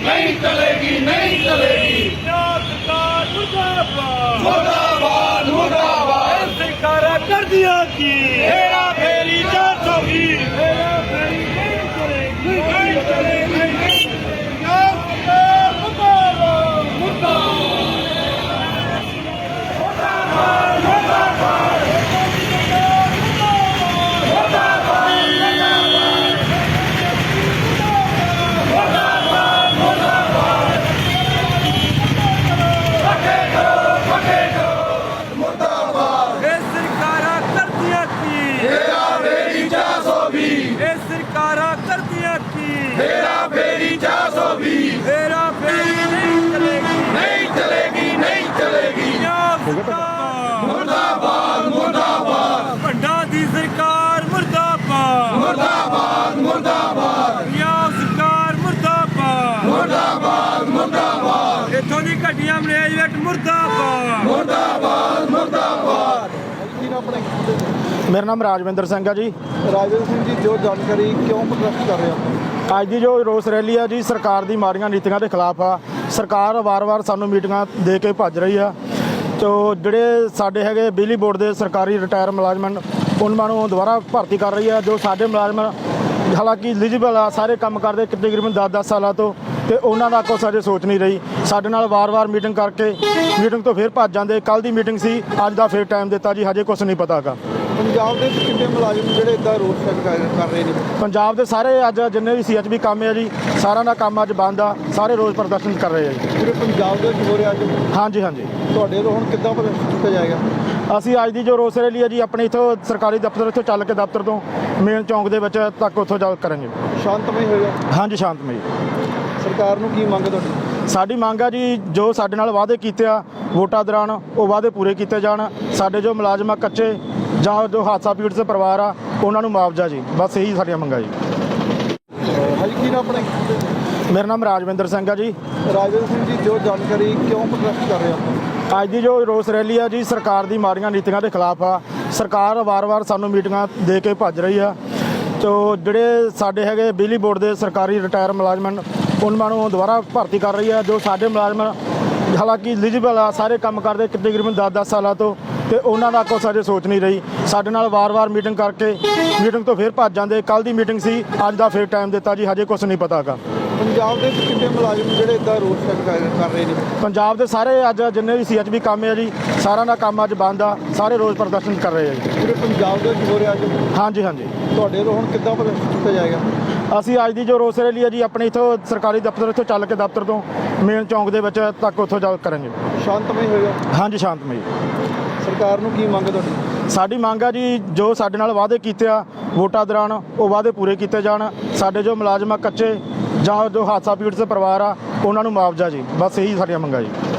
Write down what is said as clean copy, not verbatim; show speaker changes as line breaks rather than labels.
नहीं चलेगी, नहीं चलेगी।
सरकार मुर्दाबाद
मुर्दाबाद, मुर्दाबाद।
सरकार कर दिया की
हेरा फेरी 420।
हेरा फेरी नहीं करेगी,
नहीं चलेगी, नहीं हेरा फेरी 420।
हेरा फेरी नहीं चलेगी,
नहीं चलेगी, नहीं चलेगी। मुर्दाबाद, मुर्दाबाद।
भंडा दी सरकार मुर्दाबाद
मुर्दाबाद, मुर्दाबाद।
पंजाब सरकार मुर्दाबाद
मुर्दाबाद, मुर्दाबाद।
इथों दी घटिया मैनेजमेंट मुर्दाबाद
मुर्दाबाद, मुर्दाबाद।
मेरा नाम राजविंदर सिंह है जी।
ਰਾਜਵਿੰਦਰ ਸਿੰਘ ਜੀ ਜੋ ਜਾਣਕਾਰੀ ਕਿਉਂ ਪ੍ਰੋਟੈਸਟ ਕਰ ਰਹੇ ਹੋ?
ਅੱਜ ਦੀ ਜੋ ਰੋਸ ਰੈਲੀ ਆ ਜੀ ਸਰਕਾਰ ਦੀ ਮਾੜੀਆਂ ਨੀਤੀਆਂ ਦੇ ਖਿਲਾਫ ਆ। ਸਰਕਾਰ ਵਾਰ-ਵਾਰ ਸਾਨੂੰ ਮੀਟਿੰਗਾਂ ਦੇ ਕੇ ਭੱਜ ਰਹੀ ਆ। ਤੋ ਜਿਹੜੇ ਸਾਡੇ ਹੈਗੇ ਬਿਜਲੀ ਬੋਰਡ ਦੇ ਸਰਕਾਰੀ ਰਿਟਾਇਰ ਮੁਲਾਜ਼ਮ ਉਹਨਾਂ ਨੂੰ ਦੁਬਾਰਾ ਭਰਤੀ ਕਰ ਰਹੀ ਆ। ਜੋ ਸਾਡੇ ਮੁਲਾਜ਼ਮ ਹਾਲਾਂਕਿ ਐਲੀਜੀਬਲ ਆ, ਸਾਰੇ ਕੰਮ ਕਰਦੇ ਤਕਰੀਬਨ 10-10 ਸਾਲਾਂ ਤੋਂ, ਤੇ ਉਹਨਾਂ ਦਾ ਕੁਛ ਅਜੇ ਸੋਚ ਨਹੀਂ ਰਹੀ। ਸਾਡੇ ਨਾਲ ਵਾਰ-ਵਾਰ ਮੀਟਿੰਗ ਕਰਕੇ ਮੀਟਿੰਗ ਤੋਂ ਫਿਰ ਭੱਜ ਜਾਂਦੇ। ਕੱਲ੍ਹ ਦੀ ਮੀਟਿੰਗ ਸੀ, ਅੱਜ ਦਾ ਫਿਰ ਟਾਈਮ ਦਿੱਤਾ ਜੀ, ਹਜੇ ਕੁਛ ਨਹੀਂ ਪਤਾ ਹੈਗਾ।
ਪੰਜਾਬ ਦੇ ਵਿੱਚ ਕਿੰਨੇ ਮੁਲਾਜ਼ਮ ਜਿਹੜੇ ਇਦਾਂ ਰੋਡ ਸਟੈਕ ਕਰ ਰਹੇ ਨੇ?
ਪੰਜਾਬ ਦੇ ਸਾਰੇ ਅੱਜ ਜਿੰਨੇ ਵੀ CHB ਕੰਮ ਹੈ ਜੀ, ਸਾਰਿਆਂ ਦਾ ਕੰਮ ਅੱਜ ਬੰਦ ਆ। ਸਾਰੇ ਰੋਜ਼ ਪ੍ਰਦਰਸ਼ਨ ਕਰ ਰਹੇ ਆ ਜੀ।
ਪੂਰੇ ਪੰਜਾਬ ਦੇ ਵਿੱਚ ਹੋ ਰਿਹਾ ਅੱਜ?
ਹਾਂਜੀ ਹਾਂਜੀ।
ਤੁਹਾਡੇ ਤੋਂ ਹੁਣ ਕਿੱਦਾਂ ਪ੍ਰਦਰਸ਼ਨ ਕੀਤਾ ਜਾਏਗਾ?
ਅਸੀਂ ਅੱਜ ਦੀ ਜੋ ਰੋਸ ਰੈਲੀ ਹੈ ਜੀ ਆਪਣੇ ਇੱਥੋਂ ਸਰਕਾਰੀ ਦਫ਼ਤਰ ਇੱਥੋਂ ਚੱਲ ਕੇ ਦਫ਼ਤਰ ਤੋਂ ਮੇਨ ਚੌਂਕ ਦੇ ਵਿੱਚ ਤੱਕ ਉੱਥੋਂ ਜਾ ਕਰਾਂਗੇ।
ਸ਼ਾਂਤਮਈ ਹੋਏਗਾ?
ਹਾਂਜੀ ਸ਼ਾਂਤਮਈ।
ਸਰਕਾਰ ਨੂੰ ਕੀ ਮੰਗ ਹੈ ਤੁਹਾਡੀ?
ਸਾਡੀ ਮੰਗ ਆ ਜੀ ਜੋ ਸਾਡੇ ਨਾਲ ਵਾਅਦੇ ਕੀਤੇ ਆ ਵੋਟਾਂ ਦੌਰਾਨ ਉਹ ਵਾਅਦੇ ਪੂਰੇ ਕੀਤੇ ਜਾਣ। ਸਾਡੇ ਜੋ ਮੁਲਾਜ਼ਮ ਆ ਕੱਚੇ ਜਾਂ ਜੋ ਹਾਦਸਾ ਪੀੜਤ ਪਰਿਵਾਰ ਆ ਉਹਨਾਂ ਨੂੰ ਮੁਆਵਜ਼ਾ ਜੀ, ਬਸ ਇਹੀ ਸਾਡੀਆਂ ਮੰਗਾਂ ਜੀ।
ਹਾਂਜੀ ਕੀ ਨਾਮ ਆਪਣੇ?
ਮੇਰਾ ਨਾਮ ਰਾਜਵਿੰਦਰ ਸਿੰਘ ਆ ਜੀ।
ਰਾਜਵਿੰਦਰ ਸਿੰਘ ਜੀ ਜੋ ਜਾਣਕਾਰੀ ਕਿਉਂ ਪ੍ਰੋਟੈਸਟ ਕਰ ਰਹੇ ਹੋ?
ਅੱਜ ਦੀ ਜੋ ਰੋਸ ਰੈਲੀ ਆ ਜੀ ਸਰਕਾਰ ਦੀ ਮਾੜੀਆਂ ਨੀਤੀਆਂ ਦੇ ਖਿਲਾਫ ਆ। ਸਰਕਾਰ ਵਾਰ-ਵਾਰ ਸਾਨੂੰ ਮੀਟਿੰਗਾਂ ਦੇ ਕੇ ਭੱਜ ਰਹੀ ਆ। ਤੋ ਜਿਹੜੇ ਸਾਡੇ ਹੈਗੇ ਬਿਜਲੀ ਬੋਰਡ ਦੇ ਸਰਕਾਰੀ ਰਿਟਾਇਰ ਮੁਲਾਜ਼ਮ ਉਹਨਾਂ ਨੂੰ ਦੁਬਾਰਾ ਭਰਤੀ ਕਰ ਰਹੀ ਆ। ਜੋ ਸਾਡੇ ਮੁਲਾਜ਼ਮ ਹਾਲਾਂਕਿ ਐਲੀਜੀਬਲ ਆ, ਸਾਰੇ ਕੰਮ ਕਰਦੇ ਤਕਰੀਬਨ 10-10 ਸਾਲਾਂ ਤੋਂ, ਤੇ ਉਹਨਾਂ ਦਾ ਕੁਛ ਅਜੇ ਸੋਚ ਨਹੀਂ ਰਹੀ। ਸਾਡੇ ਨਾਲ ਵਾਰ-ਵਾਰ ਮੀਟਿੰਗ ਕਰਕੇ ਮੀਟਿੰਗ ਤੋਂ ਫਿਰ ਭੱਜ ਜਾਂਦੇ। ਕੱਲ੍ਹ ਦੀ ਮੀਟਿੰਗ ਸੀ, ਅੱਜ ਦਾ ਫਿਰ ਟਾਈਮ ਦਿੱਤਾ ਜੀ, ਹਜੇ ਕੁਛ ਨਹੀਂ ਪਤਾ ਹੈਗਾ।
ਪੰਜਾਬ ਦੇ ਵਿੱਚ ਕਿੰਨੇ ਮੁਲਾਜ਼ਮ ਜਿਹੜੇ ਇਦਾਂ ਰੋਡ ਸਟੈਕ ਕਰ ਰਹੇ ਨੇ?
ਪੰਜਾਬ ਦੇ ਸਾਰੇ ਅੱਜ ਜਿੰਨੇ ਵੀ CHB ਕੰਮ ਹੈ ਜੀ, ਸਾਰਿਆਂ ਦਾ ਕੰਮ ਅੱਜ ਬੰਦ ਆ। ਸਾਰੇ ਰੋਜ਼ ਪ੍ਰਦਰਸ਼ਨ ਕਰ ਰਹੇ ਆ ਜੀ।
ਪੂਰੇ ਪੰਜਾਬ ਦੇ ਵਿੱਚ ਹੋ ਰਿਹਾ ਅੱਜ?
ਹਾਂਜੀ ਹਾਂਜੀ।
ਤੁਹਾਡੇ ਤੋਂ ਹੁਣ ਕਿੱਦਾਂ ਪ੍ਰਦਰਸ਼ਨ ਕੀਤਾ ਜਾਏਗਾ?
ਅਸੀਂ ਅੱਜ ਦੀ ਜੋ ਰੋਸ ਰੈਲੀ ਹੈ ਜੀ ਆਪਣੇ ਇੱਥੋਂ ਸਰਕਾਰੀ ਦਫ਼ਤਰ ਇੱਥੋਂ ਚੱਲ ਕੇ ਦਫ਼ਤਰ ਤੋਂ ਮੇਨ ਚੌਂਕ ਦੇ ਵਿੱਚ ਤੱਕ ਉੱਥੋਂ ਜਾ ਕਰਾਂਗੇ।
ਸ਼ਾਂਤਮਈ ਹੋਏਗਾ?
ਹਾਂਜੀ ਸ਼ਾਂਤਮਈ।
ਸਰਕਾਰ ਨੂੰ ਕੀ ਮੰਗ ਹੈ ਤੁਹਾਡੀ?
ਸਾਡੀ ਮੰਗ ਆ ਜੀ ਜੋ ਸਾਡੇ ਨਾਲ ਵਾਅਦੇ ਕੀਤੇ ਆ ਵੋਟਾਂ ਦੌਰਾਨ ਉਹ ਵਾਅਦੇ ਪੂਰੇ ਕੀਤੇ ਜਾਣ। ਸਾਡੇ ਜੋ ਮੁਲਾਜ਼ਮ ਆ ਕੱਚੇ ਜਾਂ ਜੋ ਹਾਦਸਾ ਪੀੜਤ ਪਰਿਵਾਰ ਆ ਉਹਨਾਂ ਨੂੰ ਮੁਆਵਜ਼ਾ ਜੀ, ਬਸ ਇਹੀ ਸਾਡੀਆਂ ਮੰਗਾਂ ਜੀ।